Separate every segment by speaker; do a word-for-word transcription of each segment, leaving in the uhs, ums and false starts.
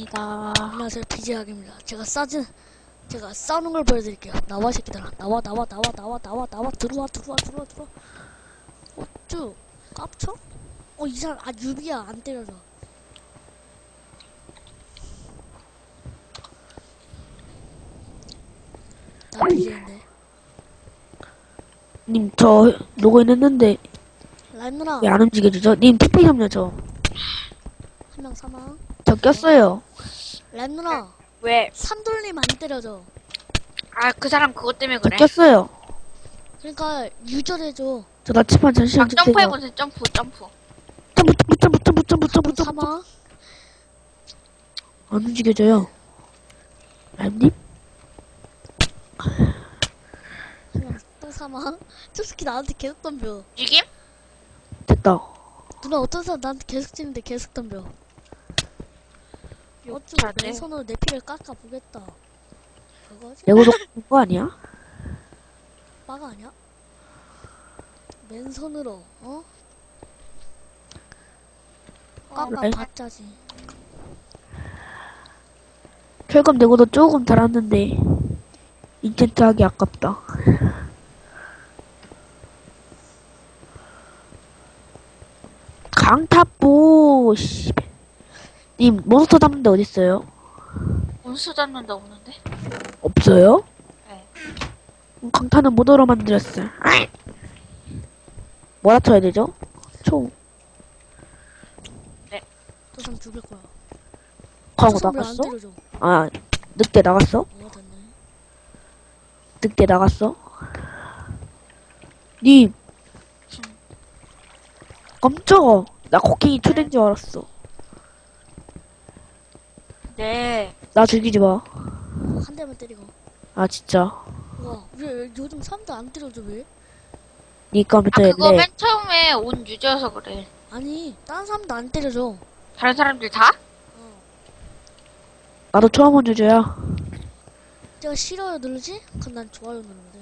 Speaker 1: 합니다.
Speaker 2: 안녕하세요, 비제학입니다. 제가 싸진, 제가 싸우는 걸 보여드릴게요. 나와, 이 새끼들아. 나와, 나와, 나와, 나와, 나와, 나와, 들어와, 들어와, 들어와, 들어와. 어, 쭉, 깝쳐? 어, 이 사람, 아, 유비야, 안 때려줘. 나 비제인데.
Speaker 3: 님, 저 로그인 했는데
Speaker 2: 라임 누나,
Speaker 3: 왜 안 움직여지죠? 님, 투피 좀요, 저.
Speaker 2: 한 명 사망.
Speaker 3: 저 꼈어요.
Speaker 2: 라임 누나,
Speaker 1: 왜?
Speaker 2: 삼돌림 안 때려줘.
Speaker 1: 아, 그 사람 그것 때문에
Speaker 3: 저
Speaker 1: 그래.
Speaker 3: 꼈어요.
Speaker 2: 그러니까, 유절해줘.
Speaker 3: 저 나치판 잠시만
Speaker 1: 막
Speaker 3: 주세요.
Speaker 1: 점프해보세요, 점프, 점프.
Speaker 3: 점프, 점프, 점프, 점프, 점프, 점프.
Speaker 2: 사망.
Speaker 3: 안 움직여져요. 라임님?
Speaker 2: 한 명 또 사망. 저 새끼 나한테 계속 덤벼.
Speaker 1: 죽임?
Speaker 3: 됐다.
Speaker 2: 누나 어떤 사람 나한테 계속 찌는데 계속 덤벼. 어쭈
Speaker 1: 잘해.
Speaker 2: 내 손으로 내 피를 깎아 보겠다. 그거지?
Speaker 3: 레고도 하는 거 아니야?
Speaker 2: 빠가 아니야? 맨손으로 어? 깎아
Speaker 3: 라임?
Speaker 2: 봤자지.
Speaker 3: 철검 레고도 조금 달았는데 인챈트 하기 아깝다. 강타보 씨. 님, 몬스터 잡는데 어딨어요?
Speaker 1: 원수 잡는데 없는데?
Speaker 3: 없어요?
Speaker 1: 네.
Speaker 3: 그럼 강타는 모더로 만들었어. 아이! 뭐라 쳐야 되죠? 총.
Speaker 2: 저 사람 죽일 거야.
Speaker 3: 하고
Speaker 2: 저 사람 왜안
Speaker 3: 나갔어?
Speaker 2: 때려줘?
Speaker 3: 아, 늑대 나갔어?
Speaker 2: 어 됐네.
Speaker 3: 늑대 나갔어? 님! 깜짝아. 나 코킹이 초대인 줄 알았어.
Speaker 1: 네.
Speaker 3: 나 죽이지 마.
Speaker 2: 한 대만 때리고.
Speaker 3: 아, 진짜.
Speaker 2: 와, 왜, 왜 요즘 사람들 안 때려줘 왜?
Speaker 3: 니
Speaker 1: 아,
Speaker 3: 컴퓨터에
Speaker 1: 그거
Speaker 3: 내
Speaker 1: 맨 처음에 온 유저여서 그래.
Speaker 2: 아니, 다른 사람도 안 때려줘.
Speaker 1: 다른 사람들 다?
Speaker 2: 어.
Speaker 3: 나도 처음 온 주제야.
Speaker 2: 제가 싫어요 누르지? 그럼 난 좋아요 누르는데.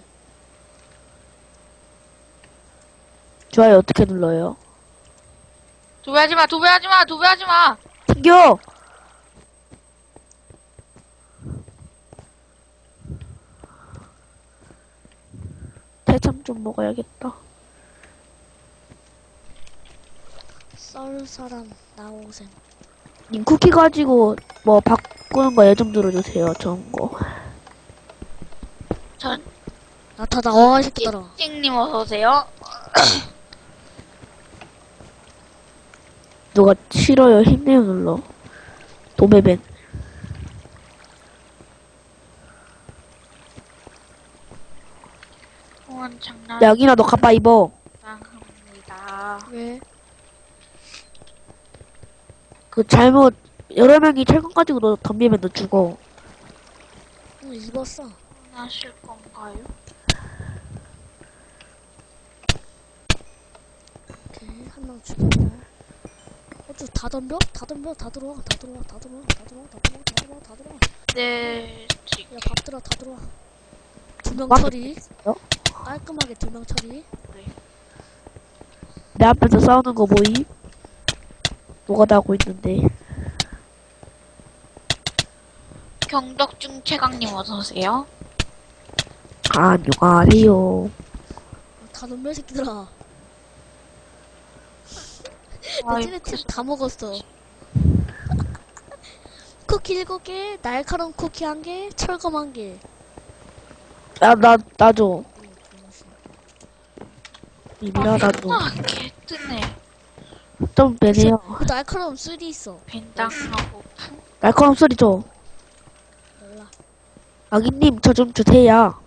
Speaker 3: 좋아요 어떻게 눌러요?
Speaker 1: 도배하지 마, 도배하지 마, 도배하지 마!
Speaker 3: 튕겨! 대참 좀 먹어야겠다.
Speaker 2: 썰 사람 나오셈.
Speaker 3: 님 쿠키 가지고 뭐 바꾸는 거 예좀 들어주세요. 좋은 거.
Speaker 1: 전,
Speaker 2: 나 다 나와 이 새끼들아.
Speaker 1: 찡님 어서오세요.
Speaker 3: 누가 싫어요 힘내요 눌러. 도매벤.
Speaker 1: 후원 장난.
Speaker 3: 양이나 너 가빠 입어.
Speaker 1: 합니다.
Speaker 2: 왜?
Speaker 3: 그 잘못 여러 명이 철권 가지고 너 덤비면 너 죽어.
Speaker 2: 응 입었어.
Speaker 1: 하실 건가요?
Speaker 2: 오케이 한 명 죽였고. 어쭈 다 덤벼? 다 덤벼? 다 들어와 다 들어와 다 들어와 다 들어와 다 들어와 다 들어와 다 들어와.
Speaker 1: 네, 지-
Speaker 2: 야 밥 들어 다 들어와. 두 명
Speaker 3: 막
Speaker 2: 처리.
Speaker 3: 있어요?
Speaker 2: 깔끔하게 두 명 처리.
Speaker 3: 내 앞에서 싸우는 거 보임? 뭐가 나고 있는데.
Speaker 1: 경덕중 최강님 어서오세요.
Speaker 3: 안녕하세요.
Speaker 2: 어, 다 덤벼 이 새끼들아. 내 찌네칩 다 먹었어. 쿠키 일곱 개, 날카로운 쿠키 한 개, 철검 한 개.
Speaker 3: 야, 나, 나 줘. 이미라, 나 줘.
Speaker 1: 아, 개 뜨네.
Speaker 3: 좀 빼네요.
Speaker 2: 그 날카로운 쓰리 있어.
Speaker 1: 벤당하고 푸.
Speaker 3: 날카로운 소리 줘.
Speaker 2: 몰라.
Speaker 3: 아기님, 저 좀 주세요.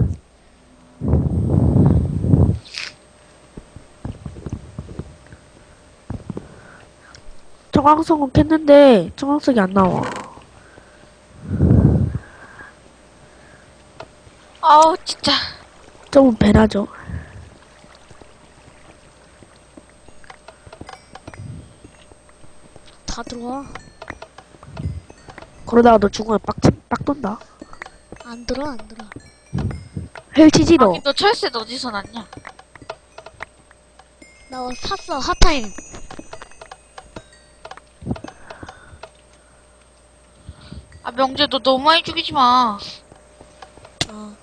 Speaker 3: 청황성은 캤는데, 청황석이 안 나와.
Speaker 1: 아우, 진짜.
Speaker 3: 좀 배나죠.
Speaker 2: 다 들어와.
Speaker 3: 그러다가 너 죽으면 빡, 빡 돈다.
Speaker 2: 안 들어 안 들어.
Speaker 3: 헬치지, 너.
Speaker 1: 아니, 너 철새 어디서 났냐?
Speaker 2: 나 샀어 핫타임.
Speaker 1: 아, 명재, 너 너무 많이 죽이지 마.
Speaker 2: 어.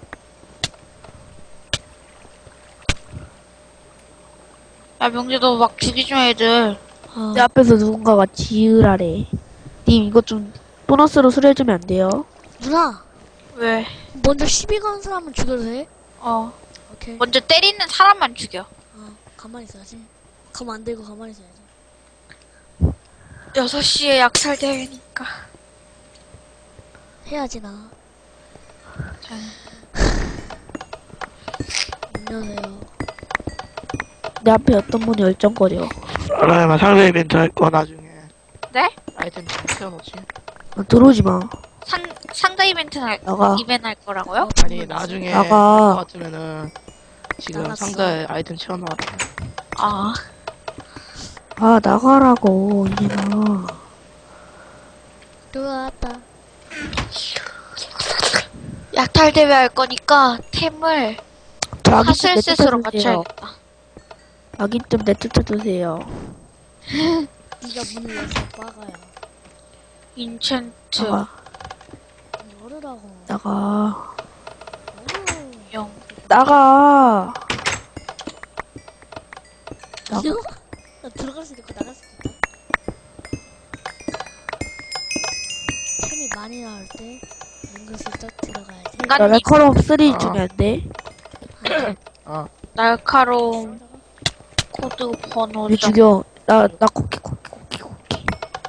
Speaker 1: 야, 명재, 너 막 죽이지 마, 애들.
Speaker 2: 어.
Speaker 3: 내 앞에서 누군가가 지으라래. 님, 이거 좀 보너스로 수리해주면 안 돼요?
Speaker 2: 누나,
Speaker 1: 왜?
Speaker 2: 먼저 시비 거는 사람은 죽여도 돼?
Speaker 1: 어.
Speaker 2: 오케이.
Speaker 1: 먼저 때리는 사람만 죽여.
Speaker 2: 어, 가만히 있어야지. 가만 안 들고 가만히 있어야지.
Speaker 1: 여섯 시에 약탈 대회니까.
Speaker 2: 해야지, 나.
Speaker 1: 자,
Speaker 2: 안녕하세요.
Speaker 3: 내 앞에 어떤 분이 열정거려.
Speaker 4: 라임아 상대 이벤트 할 거 나중에
Speaker 1: 네?
Speaker 4: 아이템 좀 채워놓지.
Speaker 3: 아, 들어오지 마.
Speaker 1: 상, 상자 이벤트 할,
Speaker 3: 나가.
Speaker 1: 이벤트 할 거라고요?
Speaker 2: 어,
Speaker 4: 아니
Speaker 2: 정말
Speaker 4: 나중에
Speaker 3: 나가.
Speaker 4: 할 거 같으면은 지금
Speaker 2: 나갔어.
Speaker 4: 상자에 아이템 채워놔라.
Speaker 1: 아.
Speaker 3: 아, 나가라고, 이제나.
Speaker 2: 들어왔다.
Speaker 1: 약탈 대회 할 거니까 템을
Speaker 3: 저 아기 좀
Speaker 1: 하슬셋으로
Speaker 3: 내쫓아주세요.
Speaker 1: 맞춰야겠다.
Speaker 3: 아기 좀 내쫓아주세요.
Speaker 2: 네가 문을 열서 빠가요.
Speaker 1: 인챈트
Speaker 3: 나가,
Speaker 2: 열으라고.
Speaker 3: 나가,
Speaker 2: 열어.
Speaker 1: 영.
Speaker 3: 나가. 나가.
Speaker 2: 이거? 나 들어갈 수 있고 나갈 수 있다. 템이 많이 나올 때 은근슬쩍 들어가야지.
Speaker 3: 나
Speaker 1: 인간님
Speaker 3: 레커럼 쓰리
Speaker 4: 아.
Speaker 3: 주면 안 돼?
Speaker 4: 어
Speaker 1: 날카로운 코드 번호
Speaker 3: 왜 죽여? 나, 나 코키, 코키, 코키, 코키.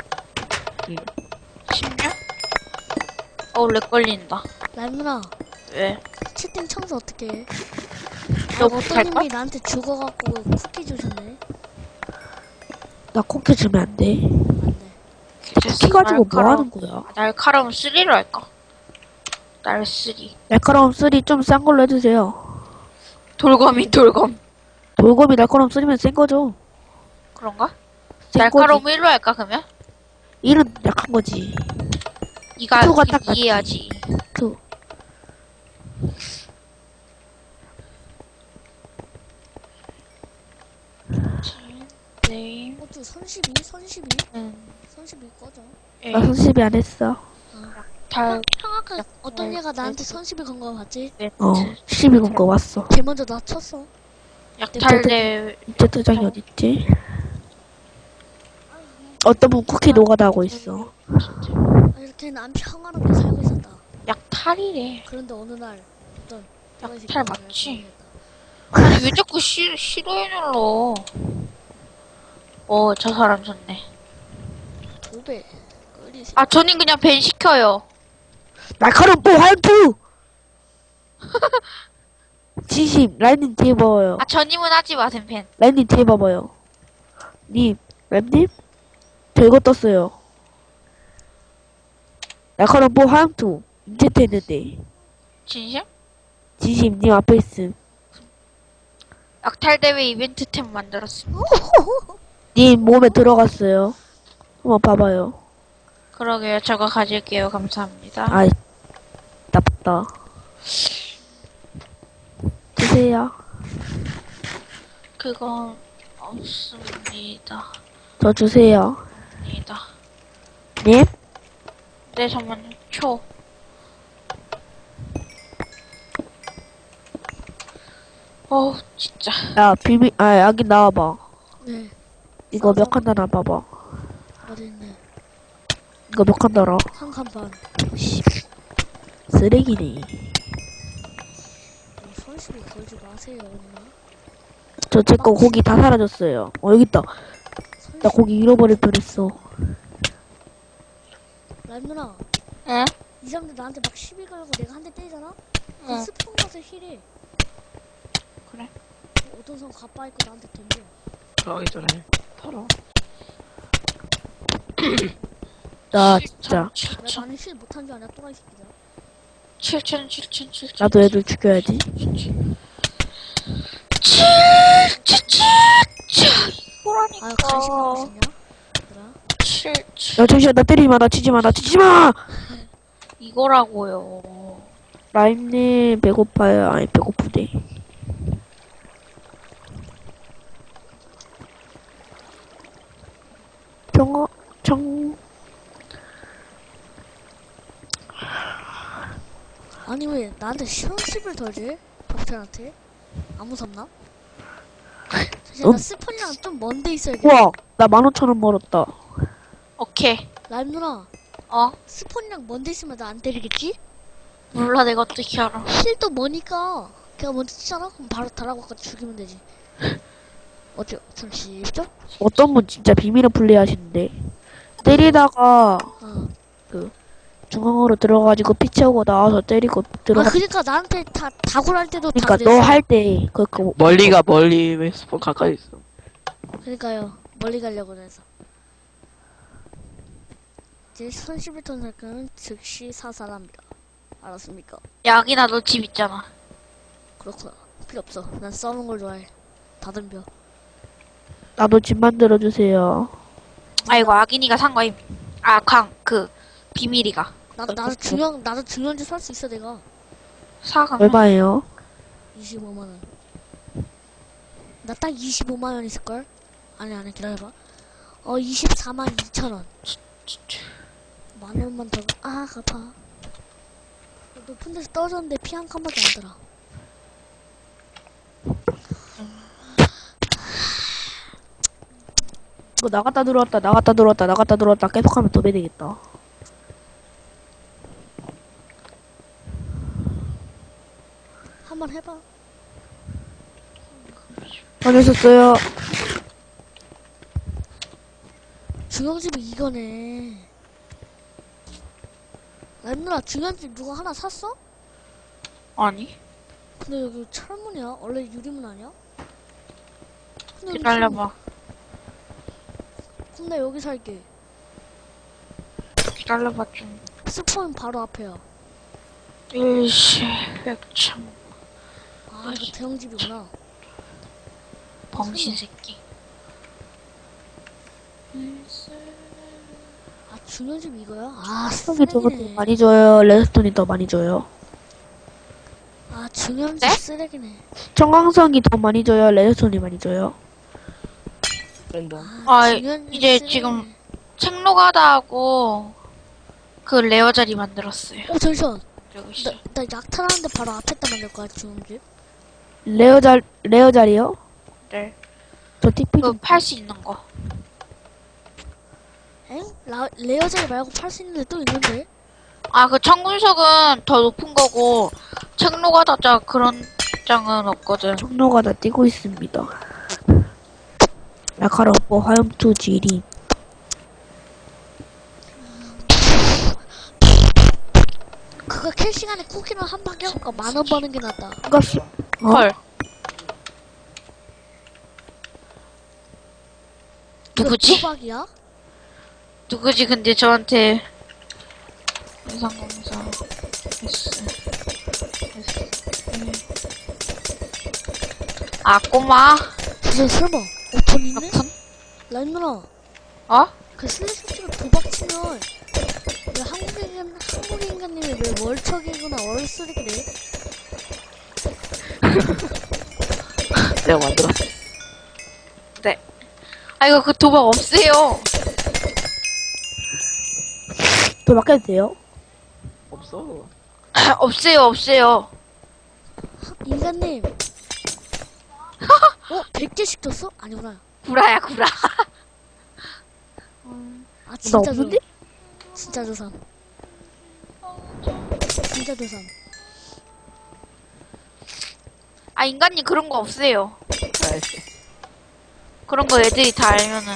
Speaker 1: 십육? 어우 렉 걸린다.
Speaker 2: 날 누나,
Speaker 1: 왜?
Speaker 2: 채팅 청소 어떻게 해?
Speaker 1: 너
Speaker 2: 어떤
Speaker 1: 못할걸?
Speaker 2: 님이 나한테 죽어갖고 쿠키 주셨네.
Speaker 3: 나 코키 주면 안 돼?
Speaker 2: 안 돼.
Speaker 3: 코키 가지고 뭐 하는 거야?
Speaker 1: 날카로운 쓰리로 할까? 날 쓰리.
Speaker 3: 날카로움 쓰리 좀 싼 걸로 해주세요.
Speaker 1: 돌검이 돌검.
Speaker 3: 돌검이 날카로움 쓰리면 센 거죠?
Speaker 1: 그런가?
Speaker 3: 센
Speaker 1: 날카로운
Speaker 3: 거지.
Speaker 1: 일로 할까 그러면?
Speaker 3: 일은 약한 거지.
Speaker 1: 이가
Speaker 3: 투가 딱 맞지.
Speaker 1: 이해하지.
Speaker 3: 투.
Speaker 1: 네.
Speaker 2: 어쭈, 선십이? 선십이?
Speaker 1: 음.
Speaker 2: 선십이 꺼져.
Speaker 1: 예.
Speaker 3: 나 손십이 안 했어.
Speaker 1: 달.
Speaker 2: 형 아까 어떤
Speaker 1: 네,
Speaker 2: 얘가
Speaker 1: 네.
Speaker 2: 나한테 선십이 건 거 봤지?
Speaker 3: 어, 십이 건 거 왔어.
Speaker 2: 걔 먼저 나 쳤어.
Speaker 1: 약탈 대회.
Speaker 3: 이제 도장이 어딨지? 어떤 분 쿠키 노가다 하고 있어.
Speaker 2: 아, 이렇게 난 평화롭게 살고 있었다.
Speaker 1: 약탈이래.
Speaker 2: 그런데 어느 날 어떤
Speaker 1: 약탈
Speaker 2: 새끼가
Speaker 1: 맞지?
Speaker 2: 나를
Speaker 1: 아니 왜 자꾸 시, 싫어해 눌러? 어, 저 사람 좋네.
Speaker 2: 도배 끓이시.
Speaker 1: 아, 저는 그냥 벤 시켜요.
Speaker 3: 날카로움 뽀 화염투! 진심, 라인님 뒤에 봐봐요.
Speaker 1: 아, 전임은 하지 마셈, 벤.
Speaker 3: 라인님 뒤에 봐봐요. 님, 램님? 저 이거 떴어요. 날카로움 뽀 화염투. 인체트 했는데.
Speaker 1: 진심?
Speaker 3: 진심, 님 앞에 있음.
Speaker 1: 약탈 대회 이벤트 템 만들었어.
Speaker 3: 님 몸에 들어갔어요. 한번 봐봐요.
Speaker 1: 그러게요. 저거 가질게요. 감사합니다.
Speaker 3: 아이, 나쁘다. 주세요.
Speaker 1: 그건 없습니다.
Speaker 3: 저 주세요.
Speaker 1: 니다.
Speaker 3: 님?
Speaker 1: 네, 잠깐만요. 초. 어우, 진짜.
Speaker 3: 야, 비비, 아, 여기 나와봐.
Speaker 2: 네.
Speaker 3: 이거 몇 칸 달아 봐봐.
Speaker 2: 어디 있네.
Speaker 3: 이거 몇 칸 달아?
Speaker 2: 한 칸 반.
Speaker 3: 씨, 쓰레기네.
Speaker 2: 어, 선십이 걸지 마세요, 누나.
Speaker 3: 저 제 거 고기 다 사라졌어요. 어, 여기 있다. 나
Speaker 2: 선십.
Speaker 3: 고기 잃어버릴 뻔했어.
Speaker 2: 날 누나.
Speaker 1: 응?
Speaker 2: 이 사람들 나한테 막 시비 걸고 내가 한 대 때리잖아? 그
Speaker 1: 응.
Speaker 2: 스폰 가서 힐해.
Speaker 1: 그래.
Speaker 2: 어떤 사람 가빠 있고 나한테 던져.
Speaker 4: 들어가기 전에 털어.
Speaker 3: 나 진짜.
Speaker 2: 왜 나는 힐 못한 줄 아냐, 또라이 새끼들.
Speaker 1: 칠천, 칠천, 칠천.
Speaker 3: 나도 애들 죽여야지.
Speaker 1: 이거라니까.
Speaker 2: 아유, 간식 먹고 싶냐? 얘들아.
Speaker 1: 칠, 칠.
Speaker 3: 야, 잠시만, 나 때리지 마, 나 치지 마, 나 치지 마!
Speaker 1: 이거라고요.
Speaker 3: 라임님, 배고파요. 아니, 배고프대. 정어, 정,
Speaker 2: 아니 왜 나한테 시험십을 덜지? 박태한테? 안 무섭나? 사실
Speaker 3: 음.
Speaker 2: 나 스폰이랑 좀 먼데 있어야겠다.
Speaker 3: 우와, 나 만 오천 원 벌었다.
Speaker 1: 오케이.
Speaker 2: 라임 누나,
Speaker 1: 어?
Speaker 2: 스폰이랑 먼데 있으면 나 안 때리겠지?
Speaker 1: 몰라, 내가 어떻게 알아.
Speaker 2: 힐도 머니까 걔가 먼저 치잖아? 그럼 바로 달라고 아까 죽이면 되지. 어째, 잠시죠?
Speaker 3: 어떤 분 진짜 비밀을 플레이하시는데 때리다가
Speaker 2: 어.
Speaker 3: 중앙으로 들어가지고 피 채우고 나와서 때리고
Speaker 2: 아,
Speaker 3: 들어가.
Speaker 2: 그니까 나한테 다, 다굴 할 때도
Speaker 3: 그러니까
Speaker 2: 다
Speaker 3: 너
Speaker 2: 그랬어.
Speaker 3: 할 때 그 그
Speaker 4: 멀리가 멀리 왜 스폰 가까이 있어?
Speaker 2: 그니까요. 멀리 가려고 해서. 제 손십일 톤 살크는 즉시 사살합니다. 알았습니까?
Speaker 1: 야, 아기나 너 집 있잖아.
Speaker 2: 그렇구나. 필요 없어. 난 싸우는 걸 좋아해. 다 덤벼.
Speaker 3: 나도 집 만들어 주세요.
Speaker 1: 아이고, 아기니가 산 거임. 아, 광, 그, 비밀이가.
Speaker 2: 나, 나도 중요한, 나도 중요한 짓 살 수 있어, 내가.
Speaker 1: 사강.
Speaker 3: 얼마예요?
Speaker 2: 이십오만 원. 나 딱 이십오만 원 있을걸? 아니, 아니, 기다려봐. 어, 이십사만 이천 원. 만 원만 더, 아, 갚아. 높은 데서 떨어졌는데 피 한 칸밖에 안 들어.
Speaker 3: 이거 나갔다 들어왔다 나갔다 들어왔다 나갔다 들어왔다 계속하면 더 배되겠다.
Speaker 2: 한번 해봐.
Speaker 3: 다녔었어요.
Speaker 2: 중형집이 이거네. 엠누나 중형집 누가 하나 샀어?
Speaker 1: 아니,
Speaker 2: 근데 여기 철문이야? 원래 유리문 아니야? 근데 여기
Speaker 1: 기다려봐.
Speaker 2: 철문. 그럼 나 여기 살게.
Speaker 1: 기다려봐, 좀.
Speaker 2: 스폰 바로 앞에야.
Speaker 1: 일시, 백참,
Speaker 2: 아, 이거 대형집이구나.
Speaker 1: 범신 새끼.
Speaker 2: 아, 중형집 이거야? 아,
Speaker 3: 스톤이 저거 더
Speaker 2: 쓰레기네.
Speaker 3: 많이 줘요. 레드스톤이 더 많이 줘요.
Speaker 2: 아, 중형집
Speaker 1: 네?
Speaker 2: 쓰레기네.
Speaker 3: 청광성이 더 많이 줘요. 레드스톤이 많이 줘요.
Speaker 4: 랜덤.
Speaker 1: 아,
Speaker 2: 중형집
Speaker 1: 이제
Speaker 2: 쓰레기네.
Speaker 1: 지금 책로가다 하고, 그 레어 자리 만들었어요.
Speaker 2: 어, 잠시만.
Speaker 1: 여기
Speaker 2: 나,
Speaker 1: 있어.
Speaker 2: 나 약탈하는데 바로 앞에다 만들 거야, 중형집.
Speaker 3: 레어 잘 레어 자리요?
Speaker 1: 네.
Speaker 3: 저 티피
Speaker 1: 그
Speaker 3: 좀
Speaker 1: 팔 수 있는 거.
Speaker 2: 엥? 라, 레어자리 말고 팔 수 있는 데 또 있는데?
Speaker 1: 아, 그 청군석은 더 높은 거고, 책로가다 자 그런 장은 없거든.
Speaker 3: 종로가 다 뛰고 있습니다. 라카로포 화염투 지리.
Speaker 2: 그거 캘 시간에 쿠키는 한 바퀴 할까 만 원 버는 게 낫다.
Speaker 3: 가스. 어?
Speaker 1: 헐. 누구지?
Speaker 2: 도박이야?
Speaker 1: 누구지? 근데 저한테 인상검사 S S 아 꼬마
Speaker 2: 진짜 설마 오픈 있네?
Speaker 1: 몇푼?
Speaker 2: 라임 누나
Speaker 1: 어?
Speaker 2: 그 슬래시로 도박 치면 왜 한국인 한국 인간님이 왜 월척이구나 월쓰레기래?
Speaker 4: 내가 만들었어.
Speaker 1: 아 이거 그 도박 없애요.
Speaker 3: 또 맡겨도 돼요?
Speaker 4: 없어.
Speaker 1: 없애요 없애요.
Speaker 2: 인간님 어? 백 개씩 줬어? 아니구나.
Speaker 1: 구라야 구라.
Speaker 2: 아
Speaker 3: 나
Speaker 2: 진짜 줘.
Speaker 3: 없는데?
Speaker 2: 진짜 조삼. 진짜 조삼.
Speaker 1: 아 인간님 그런 거 없애요.
Speaker 4: 알았어.
Speaker 1: 그런 거 애들이 다 알면은.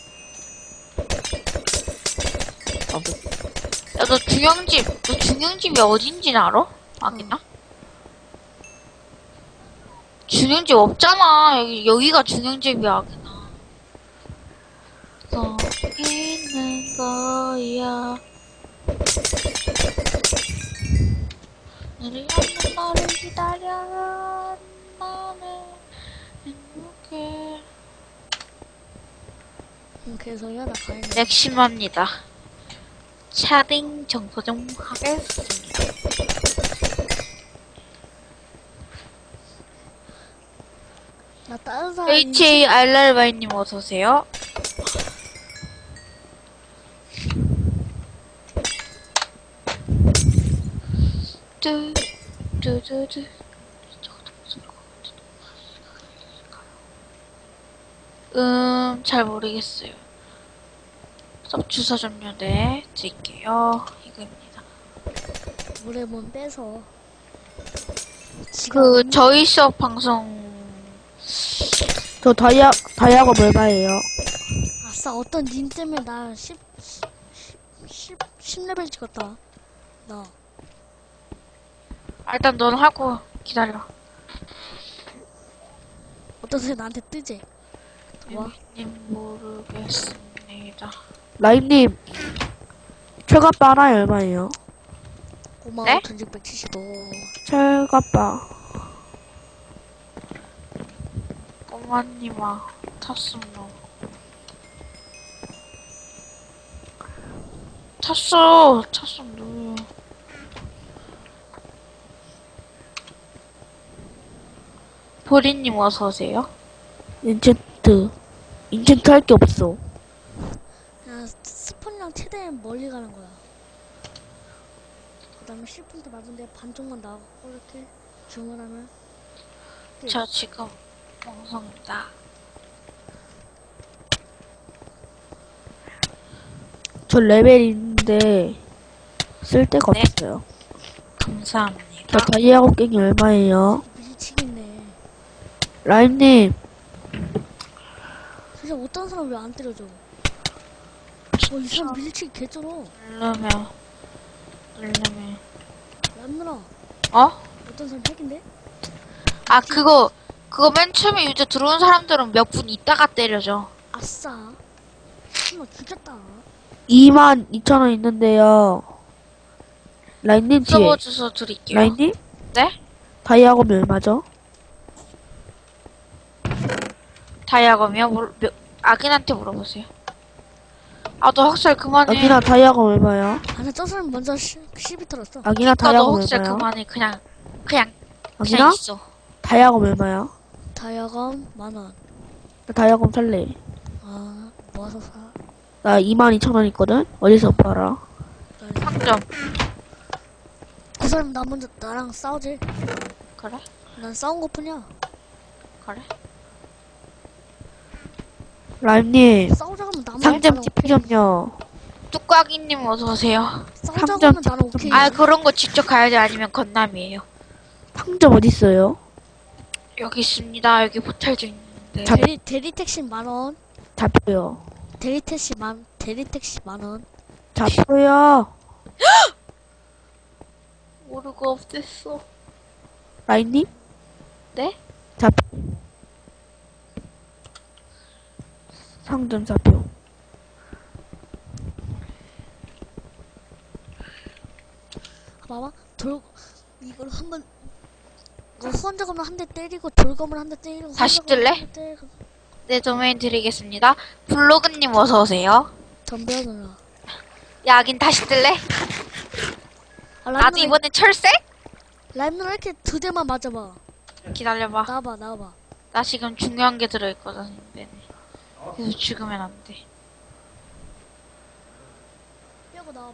Speaker 4: 없어.
Speaker 1: 야 너 중형집 너 중형집이 어딘지 알아? 아기나? 중형집 없잖아. 여기 여기가 중형집이야 아기나. 서 있는 거야. 너를 없는 너를 기다려. 나는 행복해.
Speaker 2: 응, 개소리야 나 가야겠네.
Speaker 1: 맥심합니다. 차딩 정서 좀 하겠습니다.
Speaker 2: 나 다른 사람
Speaker 1: 에이치에이알알와이님 어서오세요. 뚜, 뚜두두. 음, 잘 모르겠어요. 수업 주소 좀요, 네, 드릴게요. 이거입니다.
Speaker 2: 물에 문 빼서.
Speaker 1: 그, 저희 수업 방송,
Speaker 3: 저 다이아, 다이아가 얼마예요?
Speaker 2: 아싸, 어떤 님 때문에 나 십, 십, 십 레벨 찍었다. 나.
Speaker 1: 아, 일단 넌 하고 기다려.
Speaker 2: 어떤 소리 나한테 뜨지? 와.
Speaker 1: 님 모르겠습니다.
Speaker 3: 라임님, 철갑바 하나에 얼마예요?
Speaker 2: 고마워,
Speaker 1: 네?
Speaker 2: 천육백칠십오.
Speaker 3: 철갑바.
Speaker 1: 꼬마님아, 탔음 너. 탔어, 탔어, 누구야. 보리님 어서오세요.
Speaker 3: 인챈트. 인챈트 할 게 없어.
Speaker 2: 야, 스폰이랑 최대한 멀리 가는 거야. 그 다음에 십 분 때 맞은데 반쪽만 나가고 이렇게 주문하면. 끝.
Speaker 1: 저 지금 방송입니다.
Speaker 3: 저 레벨인데, 쓸 데가
Speaker 1: 네.
Speaker 3: 없어요.
Speaker 1: 감사합니다.
Speaker 3: 저 다이아 곡괭이 얼마예요?
Speaker 2: 미치겠네.
Speaker 3: 라임님,
Speaker 2: 진짜 어떤 사람 왜 안 때려줘? 어, 이 사람 밀치기 개쩔어.
Speaker 1: 누르면, 누르면.
Speaker 2: 람누나,
Speaker 1: 어?
Speaker 2: 어떤 사람 핵인데?
Speaker 1: 아, 그거, 그거 맨 처음에 유저 들어온 사람들은 몇 분 있다가 때려줘.
Speaker 2: 아싸. 한번 죽였다.
Speaker 3: 이만 이천 원 있는데요. 라임님 뒤에.
Speaker 1: 서버 주소 드릴게요.
Speaker 3: 라임님?
Speaker 1: 네?
Speaker 3: 다이아검이 얼마죠?
Speaker 1: 다이아검이요? 물, 몇, 아긴한테 물어보세요. 아, 너 학살 그만해.
Speaker 3: 아기나 다이아검 얼마야?
Speaker 2: 아니, 저 사람 먼저 시, 시비 털었어.
Speaker 3: 아기나
Speaker 1: 아, 너
Speaker 3: 다이아검
Speaker 1: 학살
Speaker 3: 얼마야?
Speaker 1: 그만해. 그냥, 그냥,
Speaker 3: 아기나?
Speaker 1: 그냥 있어.
Speaker 3: 다이아검 얼마야?
Speaker 2: 다이아검 만원.
Speaker 3: 나 다이아검 살래.
Speaker 2: 아, 모아서 사.
Speaker 3: 나 이만 이천 원 있거든? 어디서 팔아?
Speaker 1: 상점.
Speaker 2: 그 사람 나 먼저 나랑 싸우지.
Speaker 1: 그래?
Speaker 2: 난 싸운 것 뿐이야.
Speaker 1: 그래?
Speaker 3: 라임님,
Speaker 2: 싸우자 하면 나만
Speaker 3: 상점 티피 좀요.
Speaker 1: 뚜꽉이님 어서오세요.
Speaker 2: 싸우자
Speaker 3: 상점
Speaker 2: 하면 나는
Speaker 3: 집-
Speaker 2: 오케이.
Speaker 1: 아, 그런 거 직접 가야지 아니면 건남이에요.
Speaker 3: 상점 어딨어요?
Speaker 1: 여기 있습니다. 여기 호텔도 있는데.
Speaker 3: 잡-
Speaker 2: 대리, 대리 택시 만원.
Speaker 3: 잡혀요.
Speaker 2: 대리 택시 만, 대리 택시 만원.
Speaker 3: 잡혀요.
Speaker 1: 모르고 없앴어.
Speaker 3: 라임님?
Speaker 1: 네?
Speaker 3: 잡 상점 잡혀.
Speaker 2: 봐봐. 돌, 이걸 한 번, 이거 후원자금을 한 대 때리고, 돌검을 한 대 때리고,
Speaker 1: 다시
Speaker 2: 후원자금을
Speaker 1: 뜰래?
Speaker 2: 한대 때리고.
Speaker 1: 네, 도메인 드리겠습니다. 블로그님 어서오세요.
Speaker 2: 덤벼 누나.
Speaker 1: 야긴 다시 뜰래?
Speaker 2: 아, 라임
Speaker 1: 나도
Speaker 2: 누나,
Speaker 1: 이번엔 철새?
Speaker 2: 라임 누나 이렇게 두 대만 맞아봐.
Speaker 1: 기다려봐.
Speaker 2: 나와봐, 나와봐.
Speaker 1: 나 지금 중요한 게 들어있거든. 네네. 그래서 죽으면 안 돼.
Speaker 2: 빼고 나와봐.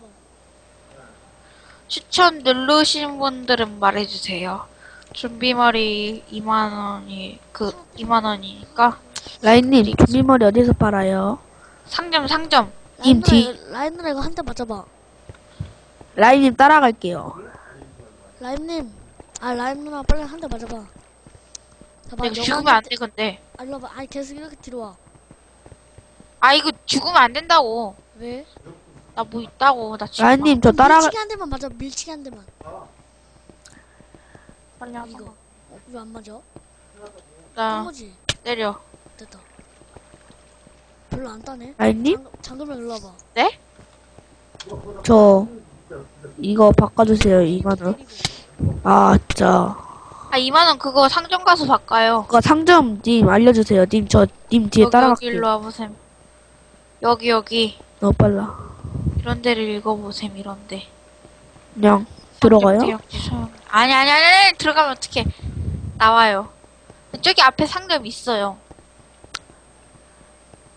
Speaker 1: 추천 누르신 분들은 말해주세요. 준비머리 이만 원이, 그, 이만 원이니까.
Speaker 3: 라임님, 좀비머리 어디서 팔아요?
Speaker 1: 상점, 상점.
Speaker 2: 라임 누나,
Speaker 3: 뒤.
Speaker 2: 이거- 라임 누나 이거 한 대 맞아봐.
Speaker 3: 라임님 따라갈게요.
Speaker 2: 라임님. 아, 라임 누나 빨리 한 대 맞아봐. 봐봐,
Speaker 1: 이거
Speaker 2: 영화
Speaker 1: 죽으면
Speaker 2: 한
Speaker 1: 안
Speaker 2: 대-
Speaker 1: 돼, 근데.
Speaker 2: 아, 일로 와봐. 아니, 계속 이렇게 뒤로 와.
Speaker 1: 아, 이거 죽으면 안 된다고.
Speaker 2: 왜?
Speaker 1: 나 뭐 있다고. 나 지금.
Speaker 3: 라임님, 저
Speaker 2: 그럼
Speaker 3: 따라가,
Speaker 2: 밀치기 한 대만 맞아, 밀치기 한 대만.
Speaker 1: 빨리 하자.
Speaker 2: 이거. 어, 왜 안 맞아?
Speaker 1: 나
Speaker 2: 거지?
Speaker 1: 때려.
Speaker 2: 됐다. 별로 안 따네.
Speaker 3: 라임님?
Speaker 2: 장, 장금이 일로 와봐.
Speaker 1: 네?
Speaker 3: 저, 이거 바꿔주세요, 이만 원. 아, 진짜.
Speaker 1: 아, 이만 원 그거 상점 가서 바꿔요.
Speaker 3: 그거 상점 님 알려주세요. 님, 저, 님 뒤에
Speaker 1: 여기, 여기
Speaker 3: 따라갈게요.
Speaker 1: 일로 와보셈. 여기, 여기.
Speaker 3: 너무 빨라.
Speaker 1: 이런 데를 읽어보셈, 이런 데.
Speaker 3: 그냥, 들어가요?
Speaker 1: 대역지 소용. 아니, 아니, 아니, 아니, 들어가면 어떡해. 나와요. 저기 앞에 상점 있어요.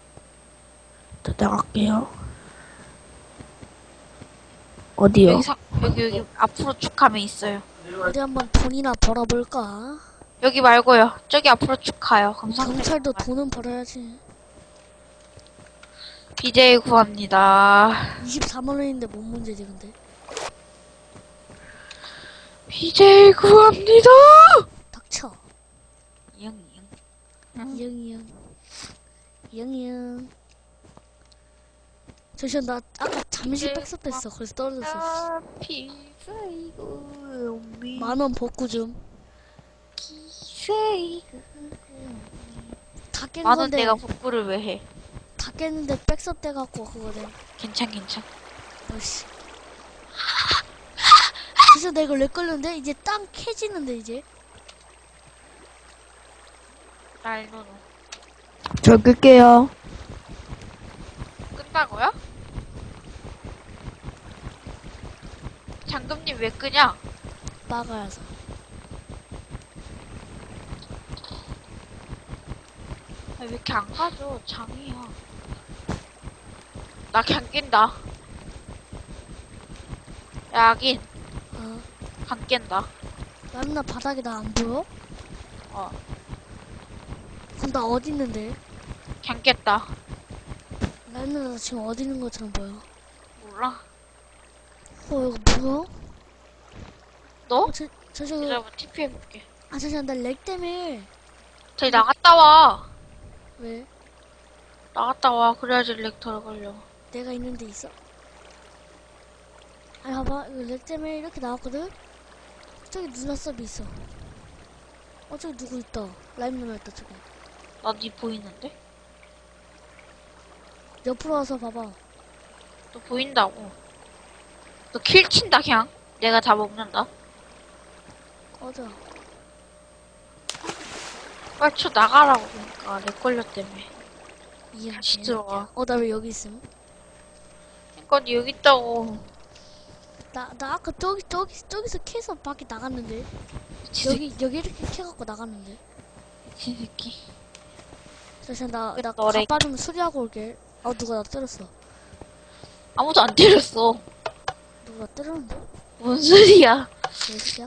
Speaker 3: 저 나갈게요. 어디요?
Speaker 1: 여기 상, 여기 여기 앞으로 쭉 가면 있어요.
Speaker 2: 어디 한번 돈이나 벌어볼까?
Speaker 1: 여기 말고요. 저기 앞으로 쭉 가요. 그럼 상대
Speaker 2: 경찰도 돈은 벌어야지.
Speaker 1: 비제이 구합니다.
Speaker 2: 이십사만 원인데 뭔 문제지 근데?
Speaker 1: 비제이 구합니다.
Speaker 2: 닥쳐.
Speaker 1: 이응 이응.
Speaker 2: 이영이영. 이영이영. 잠시만 나 아까 잠시 백섭했어. 그래서 떨어졌어.
Speaker 1: 아, 비제이 구합니다.
Speaker 2: 만원 복구 좀.
Speaker 1: 비제이
Speaker 2: 다 깬
Speaker 1: 만원
Speaker 2: 건데
Speaker 1: 내가 복구를 왜 해?
Speaker 2: 다 깼는데 백섭 돼갖고 그거네.
Speaker 1: 괜찮 괜찮.
Speaker 2: 어씨. 그래서 내가 렉 걸렸는데 이제 땅 캐지는데 이제.
Speaker 1: 날 노노.
Speaker 3: 저 끌게요.
Speaker 1: 끈다고요? 장금님 왜 끄냐?
Speaker 2: 막아야서.
Speaker 1: 아, 왜 이렇게 안 가져? 장이야. 나 그냥 낀다. 야긴
Speaker 2: 어.
Speaker 1: 안 깬다.
Speaker 2: 라임나 바닥에 나 안 보여?
Speaker 1: 어,
Speaker 2: 그럼 나 어디 있는데?
Speaker 1: 그냥 깼다.
Speaker 2: 라임나 나 지금 어디 있는 것처럼 보여?
Speaker 1: 몰라.
Speaker 2: 어 이거 뭐야?
Speaker 1: 너?
Speaker 2: 어, 저, 저, 저,
Speaker 1: 이제 한번 티피 해볼게.
Speaker 2: 아, 잠시만, 나 렉 때문에.
Speaker 1: 저기 나갔다 와.
Speaker 2: 왜?
Speaker 1: 나갔다 와. 그래야지 렉 덜 걸려.
Speaker 2: 내가 있는 데 있어? 아니, 봐봐. 이거 렉 때문에 이렇게 나왔거든? 저기 누나 섭이 있어. 어, 저기 누구 있다. 라임 누나 있다, 저기.
Speaker 1: 나 니 보이는데?
Speaker 2: 옆으로 와서 봐봐.
Speaker 1: 너 보인다고. 너 킬 친다 그냥. 내가 다 먹는다.
Speaker 2: 꺼져.
Speaker 1: 빨리 쳐 나가라고 그러니까 렉 걸렸다며.
Speaker 2: 이해.
Speaker 1: 다시 들어와.
Speaker 2: 어, 나 왜 여기 있음?
Speaker 1: 그러니까 니 여기 있다고.
Speaker 2: 나, 나 아까 저기, 저기, 저기서 캐서 밖에 나갔는데.
Speaker 1: 미친
Speaker 2: 여기, 여기 이렇게 캐갖고 나갔는데.
Speaker 1: 미친 새끼.
Speaker 2: 잠시만, 나, 나
Speaker 1: 너래.
Speaker 2: 가빠 좀 수리하고 올게. 아, 누가 나 때렸어.
Speaker 1: 아무도 안 때렸어.
Speaker 2: 누가 나 때렸는데?
Speaker 1: 뭔 소리야?
Speaker 2: 몇시야?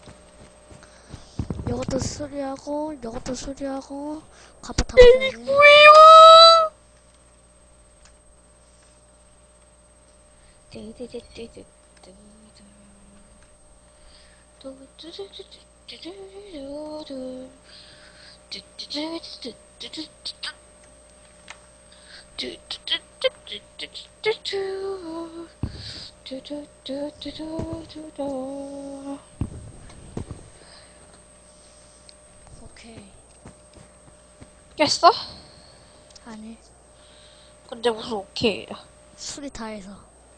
Speaker 2: 요것도 수리하고, 요것도 수리하고, 가빠 다 붙여야지.
Speaker 1: 뭐야?
Speaker 2: 오케이.
Speaker 1: 깼어?
Speaker 2: 아니,
Speaker 1: 근데 무슨 오케이야.
Speaker 2: 수리 다 해서.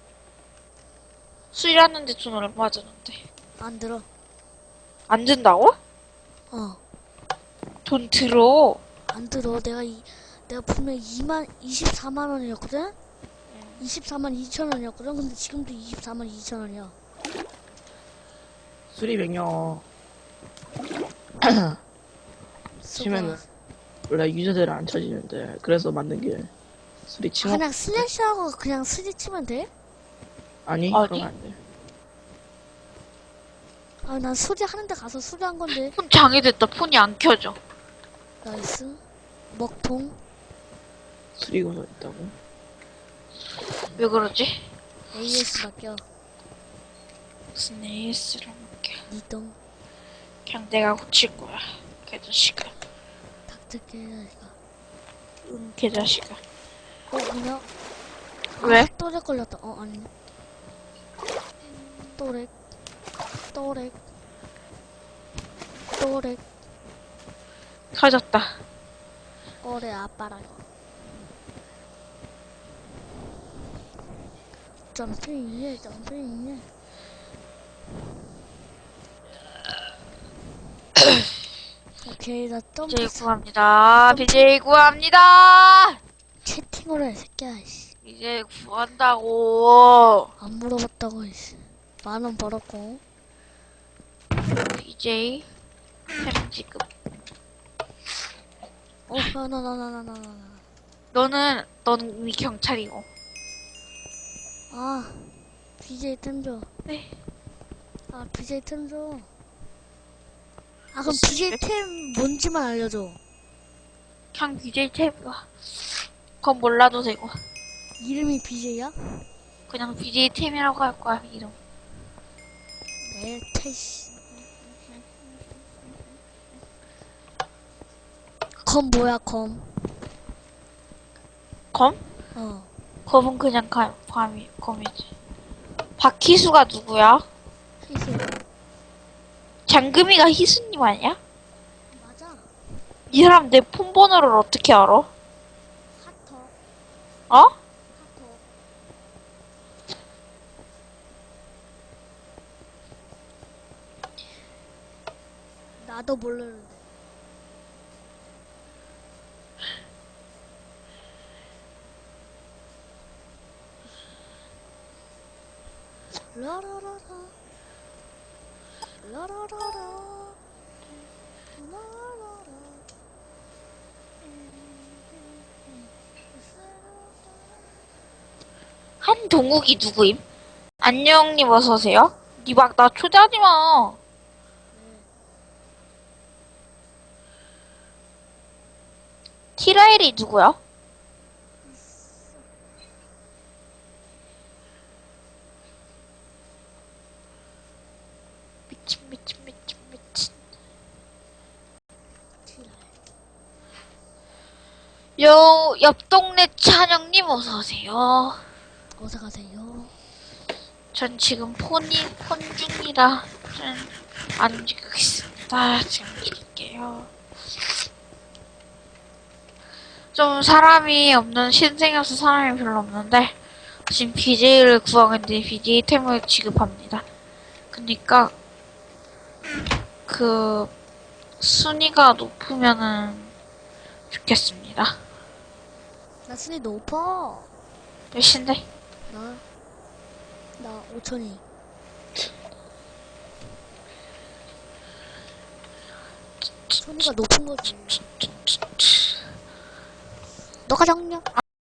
Speaker 1: 수리하는데 돈 얼마 드는데?
Speaker 2: 안 들어.
Speaker 1: 안 든다고?
Speaker 2: 어,
Speaker 1: 돈 들어.
Speaker 2: 안 들어. 내가 이, 내가 분명 이만, 이십사만 원이었거든? 이십사만 이천 원이었거든? 근데 지금도 이십사만 이천 원이야.
Speaker 4: 수리 명령 치면은 원래 유저들은 안 쳐지는데 그래서 만든 게 수리 칭호.
Speaker 2: 그냥 슬래시하고 그냥 스리 치면 돼?
Speaker 4: 아니
Speaker 1: 아니?
Speaker 4: 그러면 안 돼.
Speaker 2: 아, 난 수리 하는데 가서 수리한 건데.
Speaker 1: 폰 장애됐다. 폰이 안 켜져.
Speaker 2: 나이스. 먹통.
Speaker 4: 수리 고서 있다고.
Speaker 1: 왜 그러지?
Speaker 2: 에이에스 맡겨.
Speaker 1: 무슨 에이에스를 먹게.
Speaker 2: 니똥.
Speaker 1: 그냥 내가 고칠 거야. 개자식아.
Speaker 2: 닥터게 해야지가.
Speaker 1: 응, 개자식아.
Speaker 2: 어, 뭐냐?
Speaker 1: 왜?
Speaker 2: 아, 또렉 걸렸다. 어, 아니네. 또렉. 또렉. 또렉.
Speaker 1: 터졌다.
Speaker 2: 꼬레 아빠랑. 점핑이에, 점핑이에. 오케이, 나 점프.
Speaker 1: 비제이 구합니다. 비제이 구합니다.
Speaker 2: 채팅으로 해, 새끼야, 이씨.
Speaker 1: 비제이 구한다고.
Speaker 2: 안 물어봤다고, 이씨. 만 원 벌었고.
Speaker 1: 비제이 햄지급.
Speaker 2: 어, 나, 나, 나, 나, 나, 나, 나.
Speaker 1: 너는 너는 이미 경찰이고.
Speaker 2: 아, 비제이 템줘.
Speaker 1: 네.
Speaker 2: 아 비제이 템 줘. 아 그럼 비제이 템 뭔지만 알려줘.
Speaker 1: 그냥 비제이 템이야. 그건 몰라도 되고.
Speaker 2: 이름이 비제이야?
Speaker 1: 그냥 비제이 템이라고 할 거야, 이름.
Speaker 2: 네 테시. 검 뭐야 검?
Speaker 1: 검?
Speaker 2: 어.
Speaker 1: 검은 그냥 가, 감이, 검이지. 박희수가 누구야?
Speaker 2: 희수.
Speaker 1: 장금이가 희수님 아니야?
Speaker 2: 맞아.
Speaker 1: 이 사람 내 폰 번호를 어떻게 알아?
Speaker 2: 하터.
Speaker 1: 어?
Speaker 2: 하터. 나도 모르는데. 라라라라. 라라라라. 라라라.
Speaker 1: 한동욱이 누구임? 안녕님 어서오세요? 니 막 나 초대하지 마. 티라엘이 누구야? 미친 미친 미친 미친. 요 옆 동네 찬영님 어서오세요.
Speaker 2: 어서 가세요.
Speaker 1: 전 지금 폰이 폰 중이라 안 움직이겠습니다. 지금 드릴게요. 좀 사람이 없는 신생이어서 사람이 별로 없는데 지금 비제이를 구하는데 비제이 템을 지급합니다. 그니까 그 순위가 높으면은 좋겠습니다.
Speaker 2: 나 순위 높아.
Speaker 1: 몇인데?
Speaker 2: 나, 나 오천이. 순위가 높은 거지. 너가 정녕.